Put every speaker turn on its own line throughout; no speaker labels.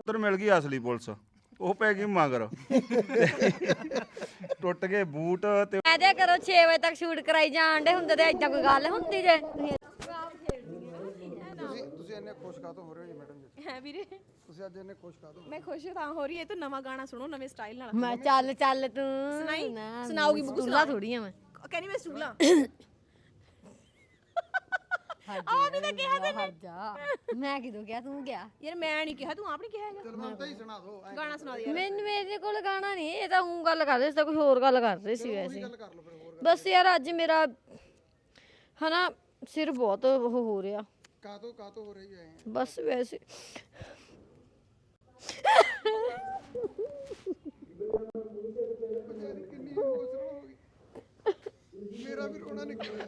ਉਧਰ ਮਿਲ ਗਈ ਅਸਲੀ ਪੁਲਿਸ, ਉਹ ਪੈ ਗਈ ਮਗਰ। ਟੁੱਟ ਗਏ ਬੂਟ ਤੇ
ਐਦੇ ਕਰੋ 6 ਵਜੇ ਤੱਕ ਸ਼ੂਟ ਕਰਾਈ ਜਾਣ ਦੇ ਹੁੰਦੇ ਤੇ ਏਦਾਂ ਕੋਈ ਗੱਲ ਹੁੰਦੀ ਜੇ।
ਤੁਸੀਂ ਇੰਨੇ ਖੁਸ਼ ਕਾਹਤੋਂ ਹੋ ਰਹੇ ਹੋ ਜੀ ਮੈਡਮ ਜੀ?
ਹੈ ਵੀਰੇ
ਤੁਸੀਂ ਅੱਜ ਇੰਨੇ ਖੁਸ਼ ਕਾਹਤੋਂ?
ਮੈਂ ਖੁਸ਼ ਤਾਂ ਹੋ ਰਹੀ ਹੈ ਤੂੰ ਨਵਾਂ ਗਾਣਾ ਸੁਣੋ ਨਵੇਂ ਸਟਾਈਲ ਨਾਲ।
ਮੈਂ ਚੱਲ ਚੱਲ ਤੂੰ
ਸੁਣਾਈ?
ਨਾ,
ਸੁਣਾਉਗੀ ਬੁੱਕੂ
ਸੁਣਾ ਥੋੜੀ ਆ ਮੈਂ।
ਕਹਿੰਦੀ ਮੈਂ ਸਟੂਲਾਂ
ਆ ਵੀ ਤਾਂ ਕਿਹਾ ਤੈਨੂੰ। ਮੈਂ ਕਿਦੋਂ ਕਿਹਾ, ਤੂੰ ਕਿਹਾ?
ਯਾਰ ਮੈਂ ਨਹੀਂ ਕਿਹਾ, ਤੂੰ ਆਪ ਨਹੀਂ ਕਿਹਾ ਹੈਗਾ।
ਚਲ ਮੈਂ ਤਾਂ ਹੀ ਸੁਣਾ ਦੋ
ਗਾਣਾ ਸੁਣਾ ਦੇ ਯਾਰ।
ਮੈਨੂੰ ਮੇਰੇ ਕੋਲ ਗਾਣਾ ਨਹੀਂ, ਇਹ ਤਾਂ ਉਹ ਗੱਲ ਕਰ ਰਹੇ ਸੀ, ਤਾਂ ਕੋਈ ਹੋਰ ਗੱਲ ਕਰ ਰਹੇ ਸੀ ਵੈਸੇ।
ਗੱਲ ਕਰ ਲਓ ਫਿਰ ਹੋਰ
ਬਸ ਯਾਰ ਅੱਜ ਮੇਰਾ ਹਨਾ ਸਿਰ ਬਹੁਤ ਉਹ ਹੋ ਰਿਹਾ,
ਕਾਹਤੋਂ ਹੋ ਰਹੀ ਹੈ?
ਬਸ ਵੈਸੇ।
ਕਿੰਨੀ ਇਮੋਸ਼ਨਲ ਹੋ ਗਈ, ਮੇਰਾ ਵੀ ਰੋਣਾ ਨਿਕਲਿਆ।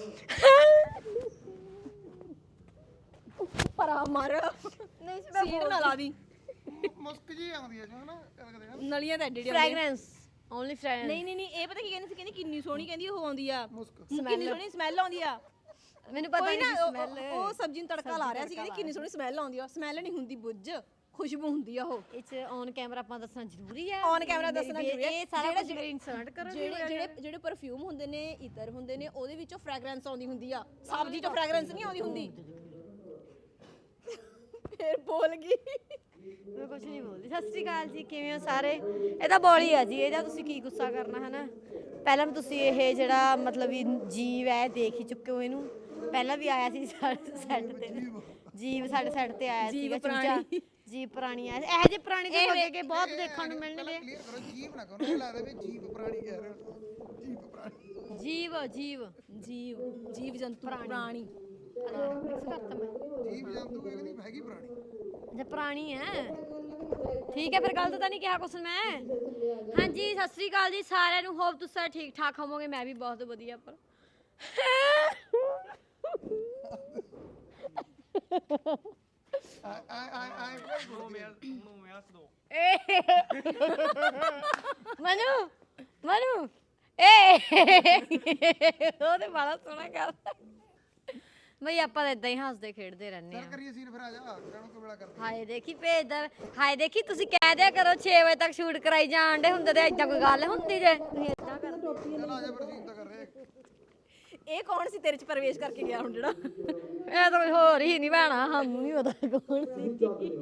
ਪਰਾ ਮਾਰ
ਨਹੀਂ
ਸੀਟ ਨਾ ਲਾ ਦੀ।
ਮੁਸਕ ਜੀ ਆਉਂਦੀ ਹੈ ਜੋ ਨਾ ਕਦੇ
ਨਲੀਆਂ ਤਾਂ ਐਡੇ
ਫ੍ਰੈਗਰੈਂਸ ਓਨਲੀ ਫ੍ਰੈਗਰੈਂਸ।
ਨਹੀਂ ਇਹ ਪਤਾ ਕੀ ਕਹਿੰਦੀ ਸੀ, ਕਹਿੰਦੀ ਕਿੰਨੀ ਸੋਹਣੀ, ਕਹਿੰਦੀ ਉਹ ਆਉਂਦੀ ਆ
ਮੁਸਕ।
ਕਿੰਨੀ ਸੋਹਣੀ ਸਮੈਲ ਆਉਂਦੀ ਆ।
ਮੈਨੂੰ ਪਤਾ
ਕੋਈ
ਨਹੀਂ
ਨਾ
ਸਮੈਲ।
ਉਹ ਸਬਜ਼ੀ ਨੂੰ ਤੜਕਾ ਲਾ ਰਿਹਾ ਸੀ, ਕਹਿੰਦੀ ਕਿੰਨੀ ਸੋਹਣੀ ਸਮੈਲ ਆਉਂਦੀ ਆ। ਸਮੈਲ ਨਹੀਂ ਹੁੰਦੀ, ਬੁੱਝ ਖੁਸ਼ਬੂ ਹੁੰਦੀ ਆ ਉਹ।
ਇਹ ਚ ਔਨ ਕੈਮਰਾ ਆਪਾਂ ਦੱਸਣਾ ਜ਼ਰੂਰੀ ਹੈ।
ਔਨ ਕੈਮਰਾ ਦੱਸਣਾ ਜ਼ਰੂਰੀ ਹੈ।
ਇਹ ਸਾਰਾ ਕੁਝ ਮੇਰੇ ਇਨਸਰਟ ਕਰੋ।
ਜਿਹੜੇ ਪਰਫਿਊਮ ਹੁੰਦੇ ਨੇ, ਇਤਰ ਹੁੰਦੇ ਨੇ, ਉਹਦੇ ਵਿੱਚੋਂ ਫ੍ਰੈਗਰੈਂਸ ਆਉਂਦੀ ਹੁੰਦੀ ਆ। ਸਬਜ਼ੀ ਚੋਂ ਫ੍ਰੈਗਰੈਂਸ ਨਹੀਂ ਆਉਂਦੀ ਹੁੰਦੀ। ਫੇਰ ਬੋਲ ਗਈ।
ਮੈਂ ਕੁਝ ਨਹੀਂ ਬੋਲਦੀ। ਸਤਿ ਸ਼੍ਰੀ ਅਕਾਲ ਜੀ, ਕਿਵੇਂ ਹੋ ਸਾਰੇ? ਇਹ ਤਾਂ ਬੋਲੀ ਆ ਜੀ, ਇਹਦਾ ਤੁਸੀਂ ਕੀ ਗੁੱਸਾ ਕਰਨਾ ਹੈ ਨਾ। ਪਹਿਲਾਂ ਵੀ ਤੁਸੀਂ ਇਹ ਜਿਹੜਾ ਮਤਲਬ ਵੀ ਜੀਵ ਹੈ ਦੇਖ ਹੀ ਚੁੱਕੇ ਹੋ ਇਹਨੂੰ। ਪਹਿਲਾਂ ਵੀ ਆਇਆ ਸੀ ਸਾਡੇ ਸੈੱਟ ਤੇ, ਜੀਵ ਸਾਡੇ ਸੈੱਟ ਤੇ ਆਇਆ ਸੀਗਾ ਚੂਚਾ। ਜੀਵ ਪ੍ਰਾਣੀ ਆਇਆ, ਇਹੋ ਜਿਹੇ ਪ੍ਰਾਣੀ ਤਾਂ ਅੱਗੇ ਅੱਗੇ ਬਹੁਤ ਦੇਖਣ ਨੂੰ ਮਿਲਣਗੇ।
ਕਲੀਅਰ ਕਰੋ, ਜੀਵ ਨਾ ਕਰੋ, ਇਹ ਲੱਗਦਾ ਵੀ ਜੀਵ ਪ੍ਰਾਣੀ ਕਹਿ ਰਹੇ ਹੋ। ਜੀਵ ਪ੍ਰਾਣੀ,
ਜੀਵ ਜੰਤੂ ਪ੍ਰਾਣੀ।
ਮਿਕਸ ਕਰਤਾ ਮੈਂ।
ਜੀਵ ਜੰਤੂ ਇਹ ਕਹਿੰਦੀ ਹੈਗੀ ਪ੍ਰਾਣੀ।
ਜੇ ਪ੍ਰਾਣੀ ਹੈ ਠੀਕ ਹੈ, ਫਿਰ ਗਲਤ ਤਾਂ ਨਹੀਂ ਕਿਹਾ ਕੁਛ ਮੈਂ। ਹਾਂਜੀ ਸਤਿ ਸ੍ਰੀ ਅਕਾਲ ਜੀ ਸਾਰਿਆਂ ਨੂੰ। ਹੋਪ ਤੁਸੀਂ ਸਾਰੇ ਠੀਕ ਠਾਕ ਹੋਵੋਗੇ। ਮੈਂ ਵੀ ਬਹੁਤ ਵਧੀਆ। ਪਰ ਮਨੂ ਉਹ ਤੇ ਬੜਾ ਸੋਹਣਾ ਕਰਦਾ ਬਈ। ਆਪਾਂ ਤਾਂ ਇਦਾਂ ਹੀ ਹੱਸਦੇ ਖੇਡਦੇ ਰਹਿੰਦੇ ਆ।
ਕਰੀਏ ਸੀਨ ਫਿਰ ਆ ਜਾ, ਕਾਹਨੂੰ ਕਬੜਾ ਕਰਦੇ?
ਹਾਏ ਦੇਖੀ ਭੇਜਦਾ, ਹਾਏ ਦੇਖੀ ਤੁਸੀਂ ਕਹਿ ਦਿਆ ਕਰੋ 6 ਵਜੇ ਤੱਕ ਸ਼ੂਟ ਕਰਾਈ ਜਾਣ ਦੇ ਹੁੰਦੇ ਤੇ ਏਦਾਂ ਕੋਈ ਗੱਲ ਹੁੰਦੀ ਜੇ। ਤੁਸੀਂ ਏਦਾਂ ਕਰਦੇ।
ਚਲ ਆ ਜਾ ਫਿਰ, ਸੀਨ ਤਾਂ ਕਰ ਰਹੇ।
ਇਹ ਕੌਣ ਸੀ ਤੇਰੇ ਚ ਪ੍ਰਵੇਸ਼ ਕਰਕੇ ਗਿਆ ਹੁਣ ਜਿਹੜਾ?
ਇਹ ਤਾਂ ਕੋਈ ਹੋਰ ਹੀ ਨਹੀਂ ਭੈਣਾ, ਸਾਨੂੰ ਨਹੀਂ ਪਤਾ ਕੌਣ ਸੀ।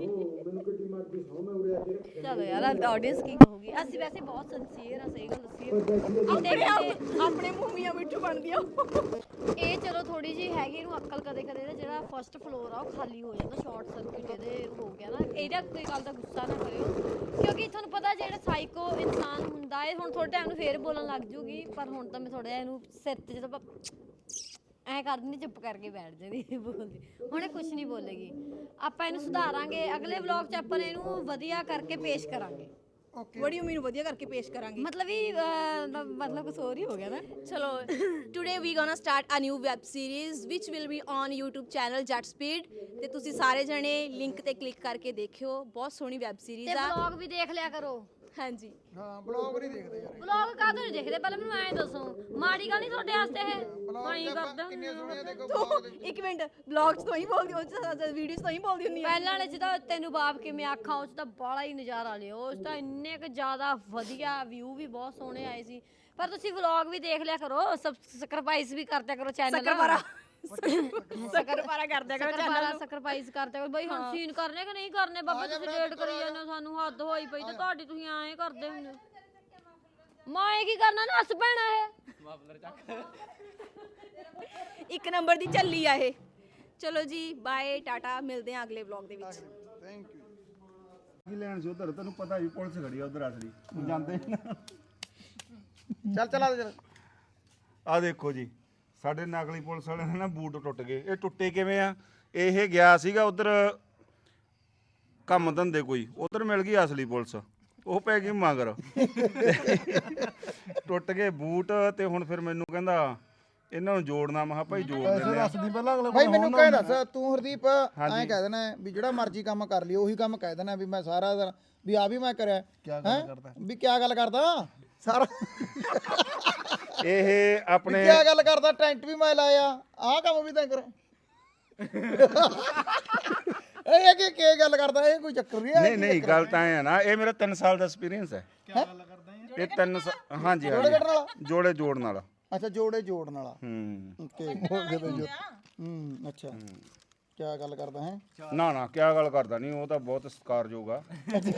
ਚਲੋ ਯਾਰ ਆਡੀਅנס ਕੀ ਕਹੂਗੀ। ਅਸੀਂ ਵੈਸੇ ਬਹੁਤ ਸਿੰਸੀਅਰ ਆ, ਸਹੀ ਗੱਲ ਦੱਸੀਏ।
ਆਪਣੇ ਮੂੰਹ ਮਿੱਠੂ ਬਣਦੀ ਆ।
ਇਹ ਚਲੋ ਥੋੜੀ ਜਿਹੀ ਹੈਗੀ ਇਹਨੂੰ ਅਕਲ। ਕਦੇ ਕਦੇ ਇਹਦਾ ਜਿਹੜਾ ਫਸਟ ਫਲੋਰ ਆ ਉਹ ਖਾਲੀ ਹੋ ਜਾਂਦਾ, ਸ਼ਾਰਟ ਸਰਕਟ ਇਹਦੇ ਹੋ ਗਿਆ ਨਾ। ਇਹਦਾ ਕੋਈ ਗੱਲ ਦਾ ਗੁੱਸਾ ਨਾ ਕਰਿਓ, ਕਿਉਂਕਿ ਤੁਹਾਨੂੰ ਪਤਾ ਜਿਹੜਾ ਸਾਈਕੋ ਇਨਸਾਨ ਹੁੰਦਾ ਹੈ, ਹੁਣ ਥੋੜੇ ਟਾਈਮ ਨੂੰ ਫੇਰ ਬੋਲਣ ਲੱਗ ਜੂਗੀ। ਪਰ ਹੁਣ ਤਾਂ ਮੈਂ ਥੋੜਾ ਜਿਹਾ ਇਹਨੂੰ ਸਿਰ ਤੇ ਜਦੋਂ ਐ ਕਰ ਦਿੰਦੀ, ਚੁੱਪ ਕਰਕੇ ਬੈਠ ਜਾਂਦੀ, ਬੋਲਦੀ। ਹੁਣ ਇਹ ਕੁਝ ਨਹੀਂ ਬੋਲੇਗੀ। ਆਪਾਂ ਇਹਨੂੰ ਸੁਧਾਰਾਂਗੇ। ਅਗਲੇ ਵਲੌਗ 'ਚ ਆਪਾਂ ਇਹਨੂੰ ਵਧੀਆ ਕਰਕੇ ਪੇਸ਼ ਕਰਾਂਗੇ।
ਬੜੀ ਉਮੀਦ ਵਧੀਆ ਕਰਕੇ ਪੇਸ਼ ਕਰਾਂਗੇ।
ਮਤਲਬ ਕੁਝ ਹੋਰ ਹੀ ਹੋ ਗਿਆ ਨਾ।
ਚਲੋ today we gonna start a new web series which will be on YouTube channel Jatt Speed. ਤੇ ਤੁਸੀਂ ਸਾਰੇ ਜਣੇ ਲਿੰਕ ਤੇ ਕਲਿੱਕ ਕਰਕੇ ਦੇਖਿਓ। ਬਹੁਤ ਸੋਹਣੀ ਵੈਬ ਸੀਰੀਜ਼ ਆ।
ਵਲੌਗ ਵੀ ਦੇਖ ਲਿਆ ਕਰੋ।
ਹਾਂਜੀ
ਹਾਂ, ਬਲੌਗ ਨਹੀਂ ਦੇਖਦੇ ਯਾਰ।
ਵਲੌਗ ਕਾਹਤੋਂ ਨਹੀਂ ਦੇਖਦੇ? ਪਹਿਲਾਂ ਮੈਨੂੰ ਐਂ ਦੱਸੋ, ਮਾੜੀ ਗੱਲ ਨਹੀਂ ਤੁਹਾਡੇ ਵਾਸਤੇ ਇਹ? ਪਾਈ ਕਰਦਾ
ਕਿੰਨੇ ਸੋਹਣੇ ਦੇਖੋ ਬਲੌਗ ਦੇ।
ਇੱਕ ਮਿੰਟ, ਵਲੌਗ 'ਚ ਤੋਂ ਹੀ ਬੋਲਦੀ, ਉਹ 'ਚ ਵੀਡੀਓ 'ਚ ਤੋਂ ਹੀ ਬੋਲਦੀ ਹੁੰਦੀ ਆ।
ਪਹਿਲਾਂ ਵਾਲੇ 'ਚ ਤਾਂ ਤੈਨੂੰ ਬਾਪ ਕਿਵੇਂ ਆਖਾਂ, ਉਸ 'ਚ ਤਾਂ ਬਾਲਾ ਹੀ ਨਜ਼ਾਰਾ ਲਿਓ। ਉਸ 'ਚ ਤਾਂ ਇੰਨੇ ਕੁ ਜ਼ਿਆਦਾ ਵਧੀਆ ਵਿਊ ਵੀ ਬਹੁਤ ਸੋਹਣੇ ਆਏ ਸੀ। ਪਰ ਤੁਸੀਂ ਵਲੌਗ ਵੀ ਦੇਖ ਲਿਆ ਕਰੋ, ਸਬਸਕ੍ਰਾਈਬ ਵੀ ਕਰਦਿਆ ਕਰੋ ਚੈਨਲ।
ਸਕਰਪਾਰਾ ਕਰਦਿਆ ਕਰੋ ਚੈਨਲ ਨੂੰ।
ਸਬਸਕ੍ਰਾਈਬ ਕਰਦਿਆ ਕਰੋ ਬਈ। ਹੁਣ ਸੀਨ ਕਰਨੇ ਕਿ ਨਹੀਂ ਕਰਨੇ? ਬਾਬਾ ਤੁਸੀਂ ਡੇਟ ਕਰੀ ਜਾਂਦੇ ਹੋ, ਸਾਨੂੰ ਹੱਦ ਹੋਈ ਪਈ ਤੇ ਤੁਹਾਡੀ। ਤੁਸੀਂ ਐਂ ਕਰਦੇ ਹੁੰਦੇ। ਮੈਂ ਕੀ ਕਰਨਾ, ਨੱਸ ਪੈਣਾ ਇਹ।
ਇੱਕ ਨੰਬਰ ਦੀ ਝੱਲੀ ਆ ਇਹ। ਚਲੋ ਜੀ ਬਾਏ ਟਾਟਾ, ਮਿਲਦੇ ਆ ਅਗਲੇ ਵਲੌਗ ਦੇ ਵਿੱਚ।
Thank you.
ਕੀ ਲੈਣ ਸੀ ਉਧਰ? ਤੈਨੂੰ ਪਤਾ ਵੀ ਪੁਲਿਸ ਖੜੀ ਆ ਉਧਰ ਅਸਲੀ ਜਾਂਦੇ ਨਾ।
ਚੱਲ ਆ ਜਾ।
ਆ ਦੇਖੋ ਜੀ, ਸਾਡੇ ਨਕਲੀ ਪੁਲਿਸ ਵਾਲੇ ਨੇ ਨਾ ਬੂਟ ਟੁੱਟ ਗਏ। ਇਹ ਟੁੱਟੇ ਕਿਵੇਂ ਆ? ਇਹ ਗਿਆ ਸੀਗਾ ਉਧਰ ਕੰਮ ਧੰਦੇ ਕੋਈ, ਉਧਰ ਮਿਲ ਗਈ ਅਸਲੀ ਪੁਲਿਸ, ਉਹ ਪੈ ਗਈ ਮਗਰ। ਟੁੱਟ ਗਏ ਬੂਟ ਤੇ ਹੁਣ ਫਿਰ ਮੈਨੂੰ ਕਹਿੰਦਾ ਇਹਨਾਂ ਨੂੰ ਜੋੜਨਾ। ਮੈਂ ਕਿਹਾ ਭਾਈ ਜੋੜ ਦਿੰਦੇ ਆ।
ਭਾਈ ਮੈਨੂੰ ਕਹਿ ਦੱਸ ਤੂੰ ਹਰਦੀਪ, ਐਂ ਕਹਿ ਦੇਣਾ ਵੀ ਜਿਹੜਾ ਮਰਜ਼ੀ ਕੰਮ ਕਰ ਲਈ ਉਹੀ ਕੰਮ ਕਹਿ ਦੇਣਾ ਵੀ ਮੈਂ ਸਾਰਾ ਦਿਨ ਵੀ ਆ ਵੀ ਮੈਂ ਕਰਿਆ ਹੈ ਵੀ ਕੀ ਗੱਲ ਕਰਦਾ ਸਾਰਾ।
ਇਹ ਆਪਣੇ
ਕੀ ਗੱਲ ਕਰਦਾ, ਟੈਂਟ ਵੀ ਮੈਂ ਲਾਇਆ, ਆਹ ਕੰਮ ਵੀ ਤਾਂ ਕਰ। ਇਹ ਕੀ ਗੱਲ ਕਰਦਾ ਇਹ ਕੋਈ ਚੱਕਰ ਨਹੀਂ
ਨਹੀਂ ਨਹੀਂ ਗੱਲ ਤਾਂ ਐ ਨਾ ਇਹ ਮੇਰਾ 3 ਸਾਲ ਦਾ ਐਕਸਪੀਰੀਅੰਸ ਹੈ ਇਹ 3 ਹਾਂਜੀ ਹਾਂਜੀ ਜੋੜੇ ਜੋੜਨ ਵਾਲਾ
ਅੱਛਾ ਜੋੜੇ ਜੋੜਨ ਵਾਲਾ
ਹੂੰ
ਓਕੇ ਅੱਛਾ ਕੀ ਗੱਲ ਕਰਦਾ ਹੈ
ਨਾ ਨਾ ਕੀ ਗੱਲ ਕਰਦਾ ਨਹੀਂ ਉਹ ਤਾਂ ਬਹੁਤ ਸਤਿਕਾਰਯੋਗ ਆ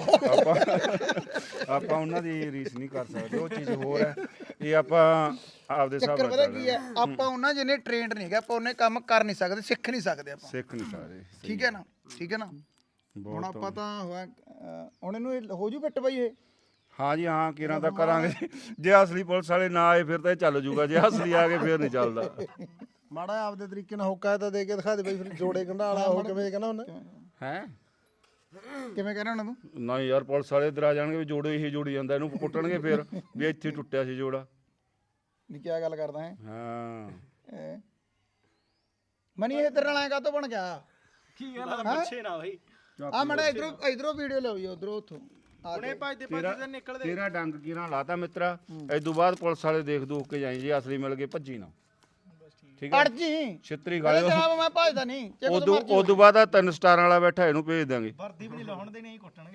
ਆਪਾਂ ਉਹਨਾਂ ਦੀ ਰੀਸ ਨਹੀਂ ਕਰ ਸਕਦੇ ਉਹ ਚੀਜ਼ ਹੋਰ ਹੈ ਇਹ ਆਪਾਂ ਆਪਦੇ ਹਿਸਾਬ
ਚੱਕਰ
ਨਾਲ
ਪਤਾ ਕੀ ਹੈ ਆਪਾਂ ਉਹਨਾਂ ਜਿਹਨੇ ਟ੍ਰੇਨਡ ਨਹੀਂ ਹੈਗਾ ਆਪਾਂ ਉਹਨੇ ਕੰਮ ਕਰ ਨਹੀਂ ਸਕਦੇ ਸਿੱਖ ਨਹੀਂ ਸਕਦੇ ਆਪਾਂ
ਸਿੱਖ ਨਹੀਂ ਸਕਦੇ
ਠੀਕ ਹੈ ਨਾ ਹੁਣ ਆਪਾਂ ਤਾਂ ਹੋਇਆ ਹੁਣ ਇਹਨੂੰ ਹੋ ਜੂ ਫਿੱਟ ਬਾਈ ਇਹ
ਹਾਂ ਜੀ ਹਾਂ ਕਿਰਾਂ ਤਾਂ ਕਰਾਂਗੇ ਜੇ ਅਸਲੀ ਪੁਲਿਸ ਵਾਲੇ ਨਾ ਆਏ ਫਿਰ ਤਾਂ ਇਹ ਚੱਲ ਜੂਗਾ ਜੇ ਅਸਲੀ ਆ ਗਏ ਫਿਰ ਨਹੀਂ ਚੱਲਦਾ
ਮਾੜਾ ਆਪਦੇ ਤਰੀਕੇ ਨਾਲ ਹੋਕਾ ਤਾਂ ਦੇ ਕੇ ਦਿਖਾ ਦੇ ਬਈ ਫਿਰ ਜੋੜੇ ਗੰਢਾਲਾ ਉਹ ਕਿਵੇਂ ਕਹਿੰਦਾ ਉਹਨੇ
ਹੈ
ਕਿਵੇਂ ਕਹਿਣਾ ਉਹਨਾਂ ਨੂੰ
ਨਾ ਯਾਰ ਪੁਲਿਸ ਵਾਲੇ ਇਧਰ ਆ ਜਾਣਗੇ ਵੀ ਜੋੜੇ ਇਹ ਜੋੜੀ ਜਾਂਦਾ ਇਹਨੂੰ ਕੁੱਟਣਗੇ ਫਿਰ ਵੀ ਇੱਥੇ ਟੁੱਟਿਆ ਸੀ ਜੋੜਾ
ਨਹੀਂ ਕੀ ਗੱਲ ਕਰਦਾ ਹੈ
ਹਾਂ
ਮਨੀ ਇਹ ਤੇਰੇ ਨਾਲ ਐ ਕਾਤੋਂ ਬਣ ਗਿਆ
ਕੀ ਗੱਲ ਆ ਪਿੱਛੇ ਨਾ ਬਈ
ਆ ਮੜਾ ਇਧਰੋਂ ਵੀਡੀਓ ਲਓ ਜੀ ਉਧਰੋਂ ਉੱਥੋਂ
ਹੁਣੇ ਭੱਜਦੇ ਭੱਜਦੇ ਨਿਕਲਦੇ
ਤੇਰਾ ਡੰਗ ਕਿਰਾਂ ਲਾਤਾ ਮਿੱਤਰਾ ਇਦੋਂ ਬਾਅਦ ਪੁਲਿਸ ਵਾਲੇ ਦੇਖ ਦੂਖ ਕੇ ਜਾਈ ਜੇ ਅਸਲੀ ਮਿਲ ਗਏ ਭੱਜੀ ਨਾ ਠੀਕ ਹੈ
ਅੜ ਜੀ
ਛਿੱਤਰੀ ਗਾਲੇ
ਜਨਾਬ ਮੈਂ ਭੱਜਦਾ ਨਹੀਂ
ਉਦੋਂ ਬਾਅਦ ਆ 3 ਸਟਾਰਾਂ ਵਾਲਾ ਬੈਠਾ ਇਹਨੂੰ ਭੇਜ ਦਾਂਗੇ
ਵਰਦੀ ਵੀ ਨਹੀਂ ਲਾਉਣ ਦੇ ਨਹੀਂ ਕੁੱਟਣਗੇ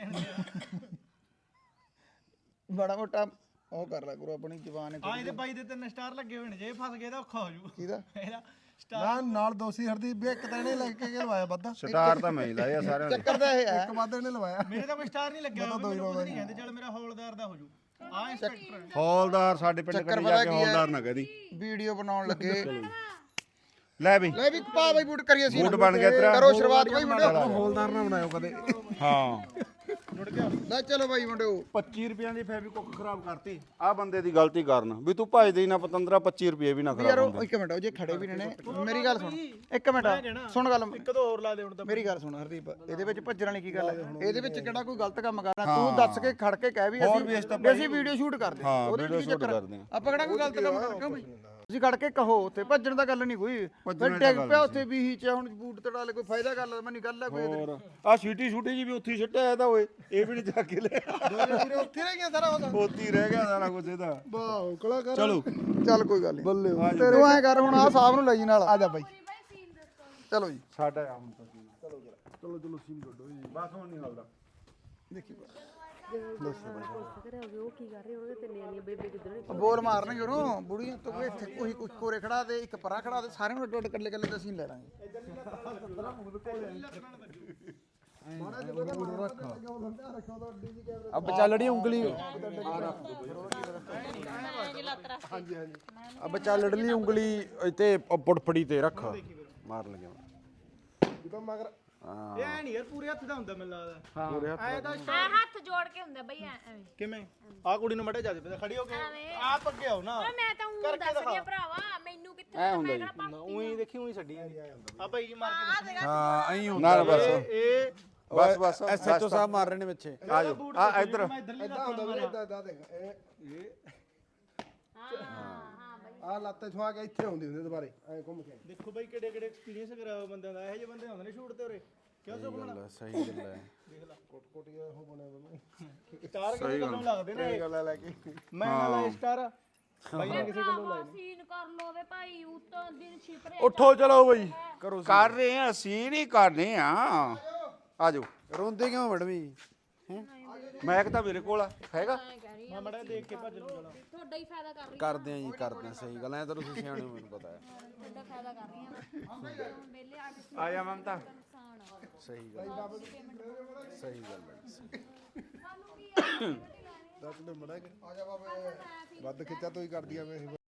ਬੜਾ ਮੋਟਾ ਉਹ ਕਰ ਲੈ ਗੁਰੂ ਆਪਣੀ ਜ਼ਬਾਨ
ਆ ਇਹਦੇ ਬਾਈ ਦੇ 3 ਸਟਾਰ ਲੱਗੇ ਹੋਏ ਨੇ ਜੇ ਇਹ ਫਸ ਗਏ ਤਾਂ ਔਖਾ ਹੋ ਜੂ
ਕਿਹਦਾ
ਇਹਦਾ
ਨਾ ਨਾਲ ਦੋਸੀ ਹਰਦੀਪ ਵੀ ਇੱਕ ਤਾਂ ਇਹਨੇ ਲੈ ਕੇ ਲਵਾਇਆ ਵੱਧਾ
ਸਟਾਰ ਤਾਂ ਮੈਂ ਹੀ ਲਾਇਆ ਸਾਰਿਆਂ ਦੇ
ਚੱਕਰ ਦਾ ਇਹ ਹੈ
ਇੱਕ ਵੱਧ ਇਹਨੇ ਲਵਾਇਆ
ਮੇਰੇ ਤਾਂ ਕੋਈ ਸਟਾਰ ਨਹੀਂ ਲੱਗਿਆ ਹੋਇਆ, ਮੈਨੂੰ ਕੁਝ ਨਹੀਂ ਕਹਿੰਦੇ ਚੱਲ ਮੇਰਾ ਹੌਲਦਾਰ ਦਾ ਹੋ ਜੂ ਆ ਇੰਸਪੈਕਟਰ
ਹੌਲਦਾਰ ਸਾਡੇ ਪਿੰਡ ਕਦੀ ਜਾ ਕੇ ਹੌਲਦਾਰ ਨਾ ਕਹਦੀ
ਵੀਡੀਓ ਬਣਾਉਣ ਲੱਗੇ
ਲੈ ਵੀ
ਲੈ ਵੀ ਪਾ ਬਈ ਬੂਟ ਕਰੀਏ ਸੀ
ਬੂਟ ਬਣ ਗਿਆ ਤੇਰਾ
ਕਰੋ ਸ਼ੁਰੂਆਤ ਬਈ ਮੁੰਡਿਓ
ਹੌਲਦਾਰ ਨਾ ਬਣਾਇਓ ਕਦੇ
ਹਾਂ
ਲੈ ਚਲੋ ਬਾਈ ਮੁੰਡਿਓ
25 ਰੁਪਿਆਂ ਦੀ ਫੈਬਿਕੁੱਕ ਖਰਾਬ ਕਰਤੀ ਆ ਬੰਦੇ ਦੀ ਗਲਤੀ ਕਾਰਨ ਵੀ ਤੂੰ ਭਜਦੇ ਹੀ ਨਾ ਪਤੰਦਰਾ 25 ਰੁਪਏ ਵੀ ਨਾ
ਯਾਰ
ਖਰਾਬ
ਉਹ
ਹੁੰਦੇ
ਇੱਕ ਮਿੰਟ ਉਹ ਜੇ ਖੜੇ ਵੀ ਨੇ ਮੇਰੀ ਗੱਲ ਸੁਣ ਇੱਕ ਮਿੰਟ ਸੁਣ ਗੱਲ
ਇੱਕ ਦੋ ਹੋਰ ਲਾ ਦੇ ਹੁਣ ਤਾਂ
ਮੇਰੀ ਗੱਲ ਸੁਣ ਹਰਦੀਪ ਇਹਦੇ ਵਿੱਚ ਭੱਜਣ ਵਾਲੀ ਕੀ ਗੱਲ ਹੈ ਇਹਦੇ ਵਿੱਚ ਕਿਹੜਾ ਕੋਈ ਗਲਤ ਕੰਮ ਕਰਨਾ ਤੂੰ ਦੱਸ ਕੇ ਖੜ ਕੇ ਕਹਿ ਵੀ ਅਸੀਂ ਵੀਡੀਓ ਸ਼ੂਟ ਕਰਦੇ
ਹਾਂ,
ਉਹਦੇ
video
ਵਿੱਚ
shoot
ਚੱਕਰ
ਕਰਦੇ ਹਾਂ।
ਆਪਾਂ ਕਿਹੜਾ ਕੋਈ ਗਲਤ ਕੰਮ ਕਰ ਕਿਉਂ ਬਈ ਤੁਸੀਂ ਖੜ ਕੇ ਕਹੋ ਉੱਥੇ ਭੱਜਣ ਦਾ ਗੱਲ ਨਹੀਂ ਕੋਈ ਫਿਰ ਡਿੱਗ ਪਿਆ ਉੱਥੇ ਵੀ ਹੀ ਚ ਹੁਣ ਬੂਟ ਤੜਾ ਲੈ ਕੋਈ ਫਾਇਦਾ ਗੱਲ ਮੈਨੂੰ ਗੱਲ ਹੈ ਕੋਈ ਇਹਦੇ
ਹੋਰ ਆ ਸੀਟੀ ਛੂਟੀ ਜੀ ਵੀ ਉੱਥੇ ਹੀ ਸਿੱਟਿਆ ਇਹਦਾ ਓਏ ਇਹ ਵੀ ਨਹੀਂ ਜਾ ਕੇ ਲਿਆ
ਵੀਰੇ ਉੱਥੇ ਰਹਿ ਗਿਆ ਸਾਰਾ ਉਹਦਾ
ਉੱਥੇ ਹੀ ਰਹਿ ਗਿਆ ਸਾਰਾ ਕੁਝ ਇਹਦਾ
ਵਾਹ ਕਲਾਕਾਰ
ਚਲੋ
ਚੱਲ ਕੋਈ ਗੱਲ ਨਹੀਂ
ਬੱਲੇ
ਤੇਰੇ ਐ ਕਰ ਹੁਣ ਆ ਸਾਹਿਬ ਨੂੰ ਲੈ ਜੀ ਨਾਲ ਆ ਜਾ ਬਾਈ ਚਲੋ ਜੀ
ਸਾਡਾ ਆ ਹੁਣ ਤਾਂ ਚਲੋ ਸੀਨ ਕੱਢੋ ਜੀ ਬਸ ਹੁਣ ਨਹੀਂ ਹਲਦਾ
ਦੇਖੀ ਬੋਲ ਮਾਰਨਗੇ ਉਹਨੂੰ ਬੁੜੀਆਂ ਤੋਂ ਇੱਥੇ ਕੋਈ ਕੁਝ ਕੋਰੇ ਖੜਾ ਦੇ ਇੱਕ ਪਰਾਂ ਖੜਾ ਦੇ ਸਾਰਿਆਂ ਨੂੰ ਅੱਡ ਅੱਡ ਕੱਲੇ ਕੱਲੇ ਦਾ ਸੀਨ ਲੈ ਲਾਂਗੇ
ਅਬ ਚੱਲੜੀ ਉਂਗਲੀ ਅਬ ਚੱਲੜੀ ਉਂਗਲੀ ਇੱਥੇ ਪੁੜਫੜੀ ਤੇ ਰੱਖ ਮਾਰ ਲੱਗਿਆ ਮਗਰ
ਇਹ ਐ ਨਹੀਂ ਯਾਰ ਪੂਰੇ ਹੱਥ ਦਾ ਹੁੰਦਾ ਮੈਨੂੰ ਲੱਗਦਾ ਐ ਤਾਂ
ਹਾਂ ਹੱਥ ਜੋੜ ਕੇ ਹੁੰਦਾ ਬਈ ਐਵੇਂ
ਕਿਵੇਂ ਆ ਕੁੜੀ ਨੂੰ ਮੜੇ ਜਾ ਦੇ ਖੜੀ ਹੋ ਕੇ ਆਪ ਅੱਗੇ ਆਓ ਨਾ
ਮੈਂ ਤਾਂ ਉਹ ਦੱਸਦੀ ਆ ਭਰਾਵਾ ਮੈਨੂੰ ਕਿੱਥੇ
ਐ ਹੁੰਦਾ ਜੀ
ਉਹੀ ਦੇਖੀ ਉਹੀ ਛੱਡੀ ਆ ਭਾਈ ਜੀ ਮਾਰ ਕੇ ਦੱਸੋ।
ਹਾਂ ਐਂ
ਨਾ ਬਸ
ਇਹ
ਬਸ
ਐਸਐਚਓ ਸਾਹਿਬ ਮਾਰ ਰਹੇ ਨੇ ਪਿੱਛੇ
ਆ ਜਾਓ ਆ ਇੱਧਰ
ਮੈਂ ਇਧਰਲੀ ਲੱਤ ਨਾਲ ਮਾਰਿਆ
ਇਦਾਂ ਦੇਖ ਆ ਲੱਤ ਛੁਆ ਕੇ ਇੱਥੇ ਹੁੰਦੀ ਹੁੰਦੀ ਦੁਬਾਰੇ ਐ ਘੁੰਮ ਕੇ
ਦੇਖੋ ਬਾਈ ਕਿਹੜੇ ਕਿਹੜੇ ਐਕਸਪੀਰੀਅੰਸ ਕਰਾਇਆ ਹੋਇਆ ਬੰਦਿਆਂ ਦਾ ਇਹੋ ਜਿਹੇ ਬੰਦੇ ਹੁੰਦੇ ਨੇ ਸ਼ੂਟ ਤੇ ਉਰੇ ਕਿਉਂ ਸੁਖਮਣਾ
ਸਹੀ ਗੱਲ ਹੈ ਕੋਟੀਆ ਉਹ ਬਣਿਆ ਬੰਦਾ
ਸਟਾਰ ਕਿਸੇ ਗੱਲੋਂ ਲੱਗਦੇ ਨੇ
ਇਹ ਗੱਲ ਲੈ ਕੇ
ਮੈਂ ਨਾ ਲਾਏ ਸਟਾਰ ਬਾਈ ਨੇ ਕਿਸੇ ਗੱਲੋਂ ਲਾਏ
ਸੀਨ ਕਰ ਲੋ ਵੇ ਭਾਈ ਉਤੋਂ ਦਿਨ ਛਿਪ ਰਿਹਾ
ਉੱਠੋ ਚਲੋ ਬਈ ਕਰੋ
ਕਰ ਰਹੇ ਆ ਅਸੀਂ ਨਹੀਂ ਕਰਨੇ ਆ ਆ ਜਾਓ
ਰੋਂਦੇ ਕਿਉਂ ਮੈਡਮੀ
ਮੈਕ ਤਾਂ ਮੇਰੇ ਕੋਲ ਆ ਹੈਗਾ
ਮੈਂ ਮੜਾ ਦੇਖ ਕੇ ਭੱਜ ਲੂ ਚਲਾ
ਤੁਹਾਡਾ ਹੀ ਫਾਇਦਾ ਕਰ ਰਹੀ
ਕਰਦੇ ਆ ਜੀ ਕਰਦੇ ਆ ਸਹੀ ਗੱਲ ਐ ਤਾਂ ਤੁਸੀਂ ਸਿਆਣੇ ਹੋ ਮੈਨੂੰ ਪਤਾ ਹੈ
ਤੁਹਾਡਾ ਫਾਇਦਾ ਕਰ ਰਹੀ ਆ ਵਿਹਲੇ ਆਰਟਿਸਟ
ਆ ਜਾ ਮਮਤਾ
ਸਹੀ ਗੱਲ ਸਹੀ ਗੱਲ ਹੈ ਦੱਸ ਦੇ ਮੜਾ ਕੇ ਆ ਜਾ ਬਾਬੇ ਵੱਧ ਖਿੱਚਾ ਤੂੰ ਹੀ ਕਰਦੀ ਆ ਮੈਂ